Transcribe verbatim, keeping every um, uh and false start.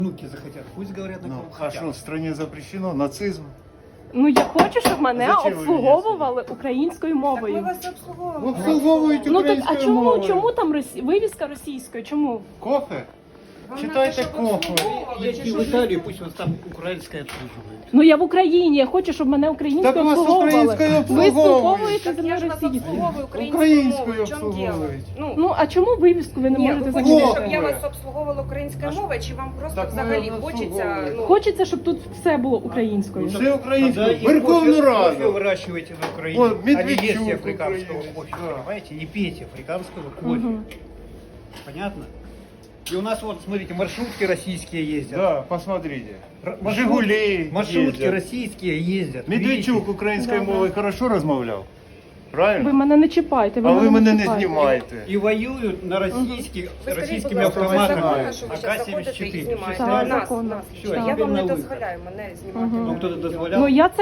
Внуки захотят, пусть говорят на Ну, ком а хотят. что, в стране запрещено? Нацизм? Ну я хочу, щоб мене Зачем ви обслуговували українською Так ми мовою. вас обслуговуємо. Обслуговують Ну так а українською чому? мовою. Чому там росі... вивіска російською? Чому? Кофе? Вам Читайте надо, щоб кофе. обслуговували, чи Едьте що в ж Италию, ви- пусть вас там украинская обслуживает. Ну я в Україні, я хочу, щоб мене українською Так вас обслуговували. українською Ви обслуговують. спілковуєте Так зі я мною ж вас російською. обслуговую українською Українською мовою. В чому діло? обслуговують. Ну, Ну а чому вивіску ви не ні, можете ви хочете, замінити? щоб я вас обслуговувала українською мовою, чи вам просто Так ми взагалі вас хочеться, обслуговуємо. ну, Хочеться, щоб тут все було українською. Все Тогда українською. и Верховну кофе- Раду. кофе выращивайте на Украине, Вот, а не Медведчук ешьте африканского украинец, кофе, да. понимаете? Не пейте африканского кофе. Мгм. Понятно? И у нас вот, смотрите, маршрутки российские ездят. Да, посмотрите. Р- маршрут- Жигули Маршрутки ездят. российские ездят. Медведчук Видите? українською Да, да. мовою хорошо розмовляв? Ви Правильно? мене не чіпайте, ви А ви мене не чіпайте. знімаєте. И воюют на российских, ви скажіть, будь российскими ласка, це автоматами законно, що ви А зараз К заходите і семьдесят четыре. знімаєте? Так, Нас, законно. нас. Всё, Я теперь вам на не выход. дозволяю мене знімати. Мгм. Ну, на кто-то відео. дозволял? Ну я це